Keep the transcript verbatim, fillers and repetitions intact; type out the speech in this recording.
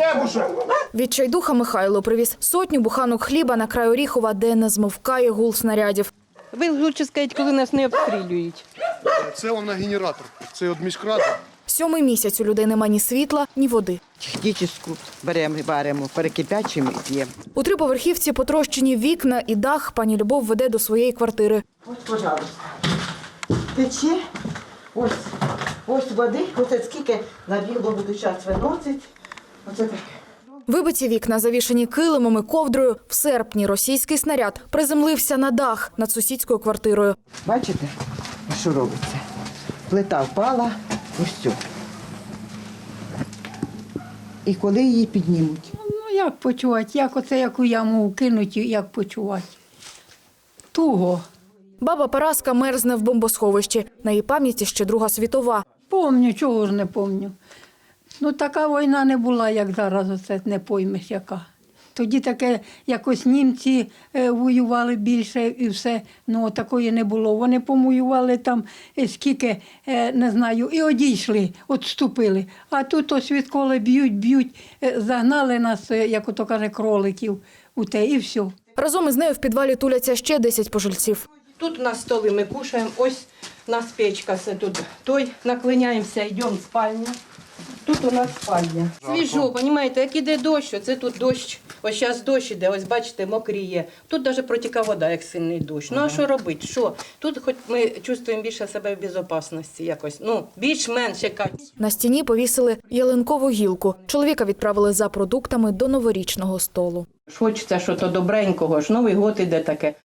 хлібушек! Відчайдуха Михайло привіз сотню буханок хліба на край Оріхова, де не змовкає гул снарядів. Ви лучше скажіть, коли нас не обстрілюють. Це вам на генератор. Це від міськради. Сьомий місяць у людей нема ні світла, ні води. Технічну беремо, варимо, перекипячимо і п'ємо. У триповерхівці потрощені вікна і дах пані Любов веде до своєї квартири. Ось, пожалуйста. Тече. Ось, ось води. Оце скільки набігло буду час виносить. Оце таке. Вибиті вікна, завішані килимом і ковдрою. В серпні російський снаряд приземлився на дах над сусідською квартирою. Бачите, що робиться? Плита впала, ось все. І коли її піднімуть? Ну, як почувати? Як оце, яку яму кинуть, як почувати? Туго. Баба Параска мерзне в бомбосховищі. На її пам'яті ще Друга світова. Помню, чого ж не помню. Ну, така війна не була, як зараз, оце не поймеш яка. Тоді таке, якось німці е, воювали більше і все, ну, такої не було. Вони помоювали там е, скільки, е, не знаю, і одійшли, відступили. А тут ось відколи б'ють, б'ють, е, загнали нас, е, як ото каже, кроликів у те, і все. Разом із нею в підвалі туляться ще десять пожильців. Тут у нас столи, ми кушаємо, ось у нас печка, все тут. Той, наклиняємося, йдемо в спальню. Тут у нас спальня. Свіжо, розумієте, як іде дощ, це тут дощ. Ось зараз дощ іде, ось бачите, мокріє. Тут навіть протікає вода, як сильний дощ. Ну а що робити? Що? Тут хоч ми чувствуємо більше себе в безпечності якось. Ну, більш-менш якась. На стіні повісили ялинкову гілку. Чоловіка відправили за продуктами до новорічного столу. Хочеться щось добренького, ж Новий год іде таке.